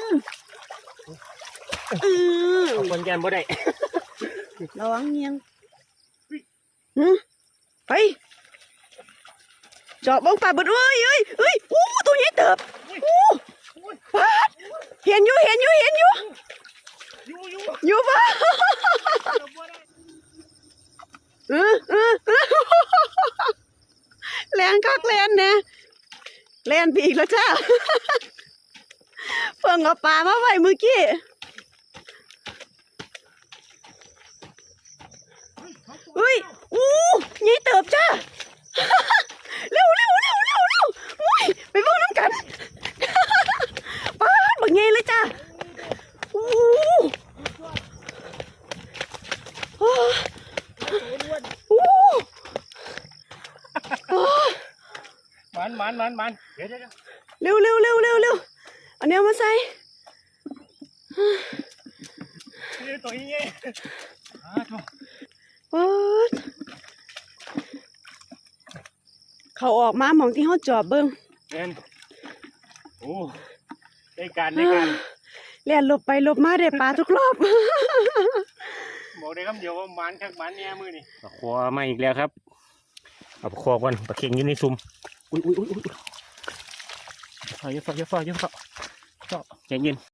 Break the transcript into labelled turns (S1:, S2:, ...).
S1: คนแกนบ่ได้
S2: ระวังเงียงไปเจาะบ้องปลาบึดเอ้ยอู้ตัวใหญ่เติบอู้ปลาเห็นอยู่ปะแลนคักแลนเนี่ยแลนไปอีกแล้วจ้าเพิ่งเอาปลามาไว้เมื่อกี้อู้ใหญ่เติบจ้าเร็วไปเบิ่งน้ำกันปลาบักใหญ่เลยจ้า
S1: มันเดี๋ยว
S2: เร็วอันนี้มาใส่
S1: ตัวนี้
S2: เขาออกมาหมองที่เขาจอบเบิ้ง
S1: โอ้ได้การ
S2: เลียนหลบไปหลบมาได้ปลาทุกรอบ
S1: บอกได้คำเดียวว่ามันคักมันเนี่ยมือนี่ปลาคอมาอีกแล้วครับเอาปลาคอก่อนปลาเค็งอยู่ในซุ้มอุ้ยอย่าฝ่าใจเย็น